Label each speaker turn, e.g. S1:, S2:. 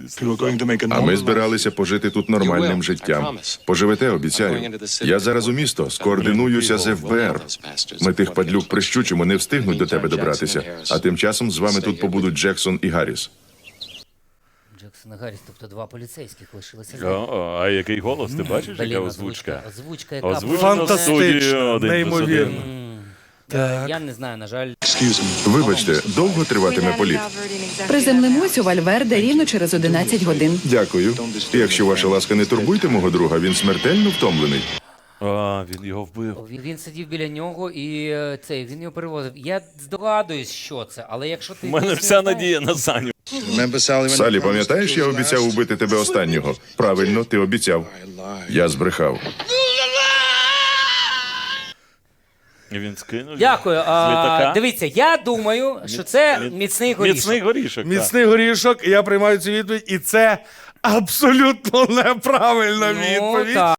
S1: А ми збиралися пожити тут нормальним життям. Поживете, обіцяю. Я зараз у місто, скоординуюся з ФБР. Ми тих падлюк прищучимо, не встигнуть до тебе добратися. А тим часом з вами тут побудуть Джексон і Гарріс.
S2: Джексон і Гарріс, тобто два поліцейських лишилися.
S3: А який голос, ти бачиш,
S2: Блін,
S3: яка озвучка?
S2: Озвучка, яка
S3: Озвучено в студії
S4: Фантастично,
S3: 1+1.
S4: неймовірно.
S2: Я не знаю, на жаль.
S1: Вибачте, довго триватиме політ?
S5: Приземлимось у Вальверде рівно через 11 годин.
S1: Дякую. Якщо ваша ласка, не турбуйте мого друга, він смертельно втомлений.
S3: А, він його вбив.
S2: Він сидів біля нього і він його перевозив. Я здогадуюсь, що це, але якщо ти...
S3: У мене вся надія на Саню.
S1: Салі, пам'ятаєш, я обіцяв убити тебе останнього? Правильно, ти обіцяв. Я збрехав.
S3: І він скинув.
S2: Дякую.
S3: з літака.
S2: Дивіться, я думаю, що це міцний горішок.
S3: Міцний горішок.
S4: Міцний горішок, я приймаю цю відповідь, і це абсолютно неправильна
S2: Ну,
S4: відповідь.
S2: так.